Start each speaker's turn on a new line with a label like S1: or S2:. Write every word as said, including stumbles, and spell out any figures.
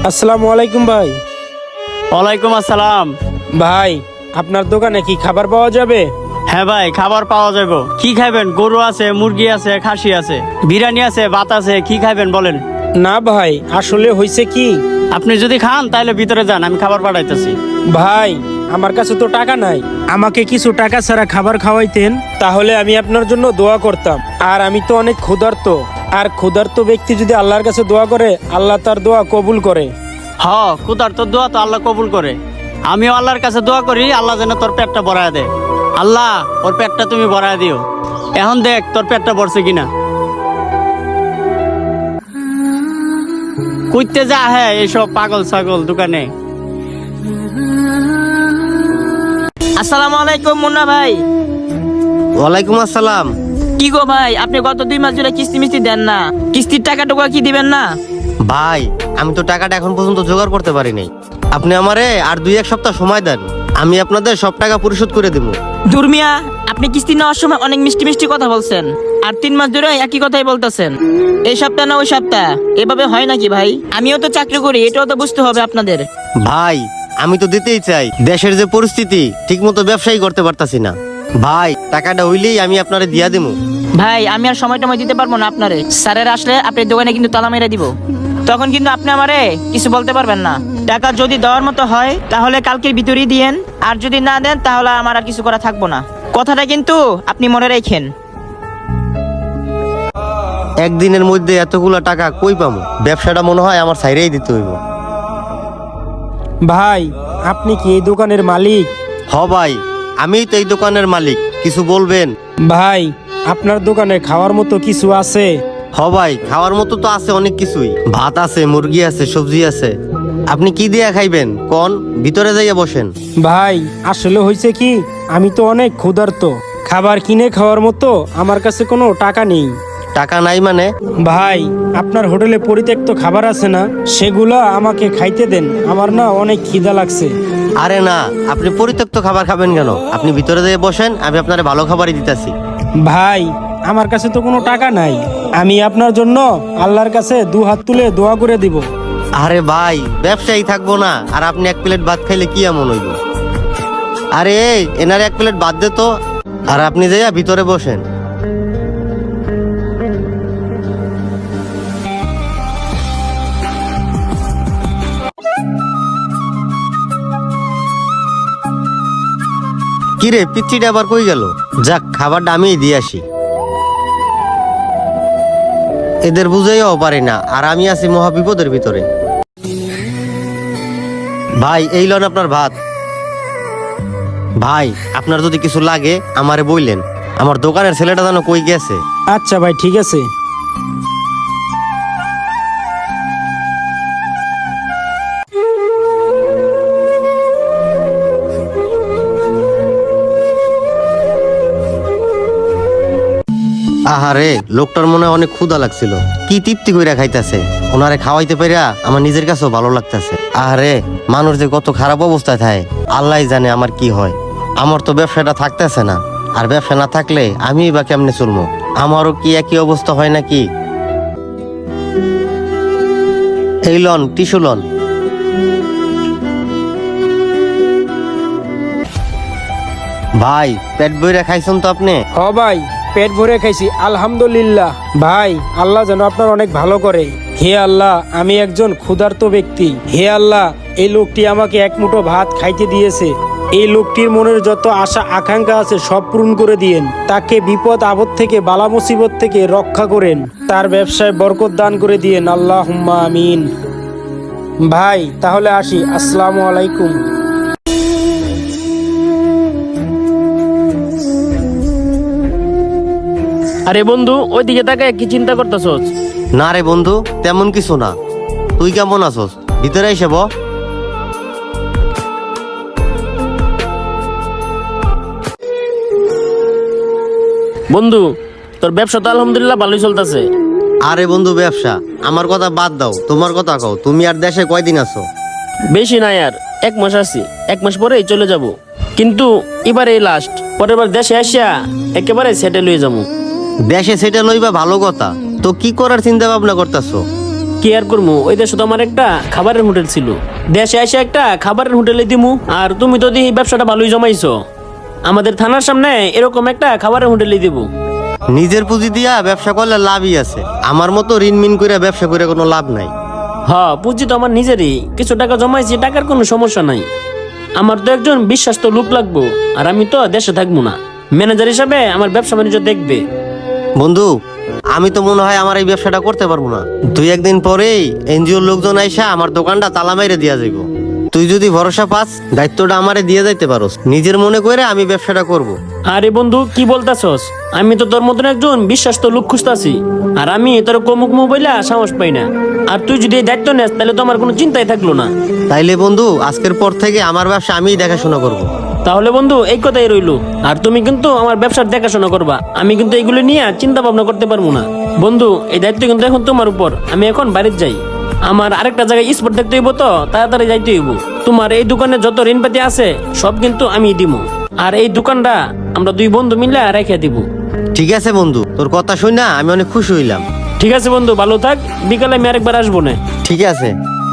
S1: আসসালামু আলাইকুম ভাই।
S2: ওয়ালাইকুম আসসালাম।
S1: ভাই আপনার দোকানে কি খাবার পাওয়া যাবে?
S2: হ্যাঁ ভাই, খাবার পাওয়া যাবে। কি খাবেন? গরু আছে, মুরগি আছে, খাসি আছে, বিরিয়ানি আছে, ভাত আছে। কি খাবেন বলেন?
S1: না ভাই, আসলে হয়েছে কি,
S2: আপনি যদি খান তাহলে ভিতরে যান, আমি খাবার পাঠাইতেছি।
S1: ভাই আমার কাছে তো টাকা নাই, আমাকে কিছু টাকা ছাড়া খাবার খাওয়াইতেন তাহলে আমি আপনার জন্য দোয়া করতাম। আর আমি তো অনেক ক্ষুধার্ত, আর ক্ষুধার্ত ব্যক্তি যদি আল্লাহর কাছে দোয়া করে আল্লাহ তার দোয়া কবুল করে।
S2: হ, খুদার তোর দোয়া তো আল্লাহ কবুল করে। আমিও আল্লাহর কাছে দোয়া করি, আল্লাহ যেন তোর পেটটা ভরায় দেয়। আল্লাহ ওর পেটটা তুমি ভরায় দিও। এখন দেখ তোর পেটটা ভরছে কিনা। কুইতে যা হ্যাঁ এইসব পাগল ছাগল দোকানে।
S3: আসসালামু আলাইকুম মুন্না ভাই।
S4: ওয়ালাইকুম আসসালাম।
S3: কি গো ভাই, আপনি গত দুই মাস ধরে কিস্তি মিস্তি দেন না, কিস্তির টাকা টুকা কি দিবেন না?
S4: ভাই আমি তো টাকাটা এখন পর্যন্ত জোগাড় করতে পারি নাই। আপনি আমারে আর দুই এক সপ্তাহ সময় দেন, আমি আপনাদের সব টাকা পরিশোধ করে দেবো।
S3: দুর্মিয়া, আপনি কিস্তি নেওয়ার সময় অনেক মিষ্টি মিষ্টি কথা বলছেন, আর তিন মাস ধরে একই কথাই বলতেছেন। এই সপ্তাহ না ওই সপ্তাহ, এভাবে হয় নাকি ভাই? আমিও তো চাকরি করি, এটাও তো বুঝতে হবে আপনাদের।
S4: ভাই আমি তো দিতেই চাই, দেশের যে পরিস্থিতি ঠিক মতো ব্যবসায়ী করতে পারতাছি না। ভাই টাকাটা হইলেই আমি আপনারে দিয়া দেবো।
S3: ভাই আমি আর সময় টময় দিতে পারবো না আপনারে। স্যারের আসলে আপনার দোকানে কিন্তু তালা মেরে দিব, তখন কিন্তু আপনি আমারে কিছু বলতে পারবেন না। টাকা যদি দেওয়ার মতো হয় তাহলে কালকের ভিতরেই দিয়েন, আর যদি না দেন তাহলে আমার আর কিছু করা থাকবো না। কথাটা কিন্তু আপনি মনে রাখেন।
S4: একদিনের মধ্যে এতগুলা টাকা কই পামু? ব্যবসাটা মনে হয় আমার সাইরেই দিতে হইব।
S1: ভাই আপনি কি এই দোকানের মালিক?
S4: হ ভাই, আমিই তো এই দোকানের মালিক। কিছু বলবেন?
S1: ভাই আপনার দোকানে খাওয়ার মতো কিছু আছে?
S4: হ ভাই, খাওয়ার মতো তো আছে অনেক কিছুই। ভাত আছে, মুরগি আছে, সবজি আছে। আপনি কি দিয়া খাইবেন কোন? ভিতরে যাইয়া বসেন।
S1: ভাই আসলে হয়েছে কি, আমি তো অনেক ক্ষুধার্ত, খাবার কিনে খাওয়ার মতো আমার কাছে কোনো টাকা নেই।
S4: টাকা নাই মানে?
S1: ভাই আপনার হোটেলে পরিত্যক্ত খাবার আছে না, সেগুলো আমাকে খাইতে দেন, আমার না অনেক খিদা লাগছে।
S4: আরে না, আপনি পরিত্যক্ত খাবার খাবেন কেন? আপনি ভিতরে যেয়ে বসেন, আমি আপনার ভালো খাবারই দিতেছি।
S1: ভাই আমার কাছে তো কোনো টাকা নাই, আমি আপনার জন্য আল্লাহর কাছে দু হাত তুলে দোয়া করে দিব।
S4: আরে ভাই, ব্যবসায়ী থাকবো না আর আপনি এক প্লেট ভাত খাইলে কি এমন হইব? আরে এই, এনারে এক প্লেট ভাত দে তো। আর আপনি যাইয়া ভিতরে বসেন। কিরে পিচ্চিটা আবার কই গেল? যাক, খাবারটা আমিই দিয়ে আসি। এদের বুঝাইও পারি না, আর আমি আছি মহা বিপদের ভিতরে। ভাই এই লন আপনার ভাত। ভাই আপনার যদি কিছু লাগে আমারে বইলেন, আমার দোকানের ছেলেটা যেন কই গেছে।
S1: আচ্ছা ভাই ঠিক আছে।
S4: আহারে, লোকটার মনে হয় অনেক ক্ষুধা লাগছিল, কি তৃপ্তি কইরা খাইতেছে। ওনারে খাওয়াইতে পারিয়া আমার নিজের কাছেও ভালো লাগতেছে। আহারে, মানুষ যে কত খারাপ অবস্থায় থাকে আল্লাহ জানে আমার কি হয়। আমার তো ব্যবসাটা থাকতেছে না, আর ব্যবসা না থাকলে আমি বা কেমনে চলবো? আমারও কি একই অবস্থা হয় নাকি? এই লন টিস্যু লন। ভাই পেট বইরা খাইছেন তো আপনি?
S1: হ ভাই, পেট ভরে খাইছি আলহামদুলিল্লাহ। ভাই আল্লাহ যেন আপনার অনেক ভালো করে। হে আল্লাহ, আমি একজন ক্ষুধার্ত ব্যক্তি। হে আল্লাহ, এই লোকটি আমাকে এক মুঠো ভাত খাইতে দিয়েছে, এই লোকটির মনের যত আশা আকাঙ্ক্ষা আছে সব পূরণ করে দিয়েন। তাকে বিপদ আপদ থেকে, বালা মুসিবত থেকে রক্ষা করেন, তার ব্যবসায় বরকত দান করে দিয়েন, আল্লাহুম্মা আমিন। ভাই তাহলে আসি, আসসালামু আলাইকুম।
S5: আরে বন্ধু, ওইদিকে তাকায় কি চিন্তা করতেছস?
S4: না রে বন্ধু, তেমন কিছু না। তুই কেমন আছস? ভিতরে এসে ব।
S5: বন্ধু, তোর ব্যবসা তো আলহামদুলিল্লাহ ভালোই চলতেছে।
S4: আরে বন্ধু, ব্যবসা আমার কথা বাদ দাও, তোমার কথা কও। তুমি আর দেশে কয়দিন আছো?
S5: বেশি নাই, আর এক মাস আছি, এক মাস পরেই চলে যাব। কিন্তু এবার এই লাস্ট, পরের বার দেশে আসিয়া একেবারে সেটেল হয়ে যাবো।
S4: দেশে সেটা লইবা ভালো কথা, তো কি করার চিন্তা ভাবনা করতেছো?
S5: কি আর করবো, ওই দেশে তো আমার একটা খাবারের হোটেল ছিল, দেশে এসে একটা খাবারের হোটেলে দিমু। আর তুমি তো দেখি ব্যবসাটা ভালোই জমাইছো, আমাদের থানার সামনে এরকম একটা খাবারের হোটেলে দিব।
S4: নিজের পুঁজি দিয়া ব্যবসা করলে লাভই আছে, আমার মতো ঋণ মিন করে ব্যবসা করে কোনো লাভ নাই।
S5: হ্যাঁ, পুঁজি তো আমার নিজেরই, কিছু টাকা জমাইছি, টাকার কোনো সমস্যা নাই। আমার তো একজন বিশ্বাস্ত লোক লাগবো, আর আমি তো দেশে থাকবো না, ম্যানেজার হিসাবে আমার ব্যবসা বাণিজ্য দেখবে।
S4: বন্ধু, আমি তো মনে হয় আমার এই ব্যবসাটা করতে পারবো না। দুই একদিন পরেই এনজিওর লোকজন আইসা আমার দোকানটা তালা মাইরে দিয়া যাইব। তুই যদি ভরসা পাস, দায়িত্বটা আমারে দিয়ে যাইতে পারোস, নিজের মনে করে আমি ব্যবসাটা করব।
S5: আরে বন্ধু, কি বলতাছস? আমি তো তোর মতন একজন বিশ্বাস্ত লোক খুঁজতাছি, আর আমি তোর কমুক মোবাইলে সাহস পাই না। আর তুই যদি এই দায়িত্ব নেস, তাহলে তো আমার কোনো চিন্তাই থাকলো না।
S4: তাইলে বন্ধু, আজকের পর থেকে আমার ব্যবসা আমিই দেখাশোনা করব।
S5: তাহলে বন্ধু, এই কথাই রইলো। আর তুমি কিন্তু আমার ব্যবসার দেখাশোনা করবা, আমি কিন্তু এইগুলো নিয়ে চিন্তা ভাবনা করতে পারবো না। বন্ধু, এই দায়িত্ব কিন্তু এখন তোমার উপর। আমি এখন বাড়িতে যাই, আমার আরেকটা জায়গায় স্পট দেখতে হইব, তো তাড়াতাড়ি যাইতে হইব। তোমার এই দোকানে যত ঋণপাতি আছে সব কিন্তু আমি দিব, আর এই দোকানটা আমরা দুই বন্ধু মিলে রেখে দিব।
S4: ঠিক আছে বন্ধু, তোর কথা শুই না আমি অনেক খুশি হইলাম।
S5: ঠিক আছে বন্ধু, ভালো থাক, বিকালে আমি আরেকবার আসবো না।
S4: ঠিক আছে।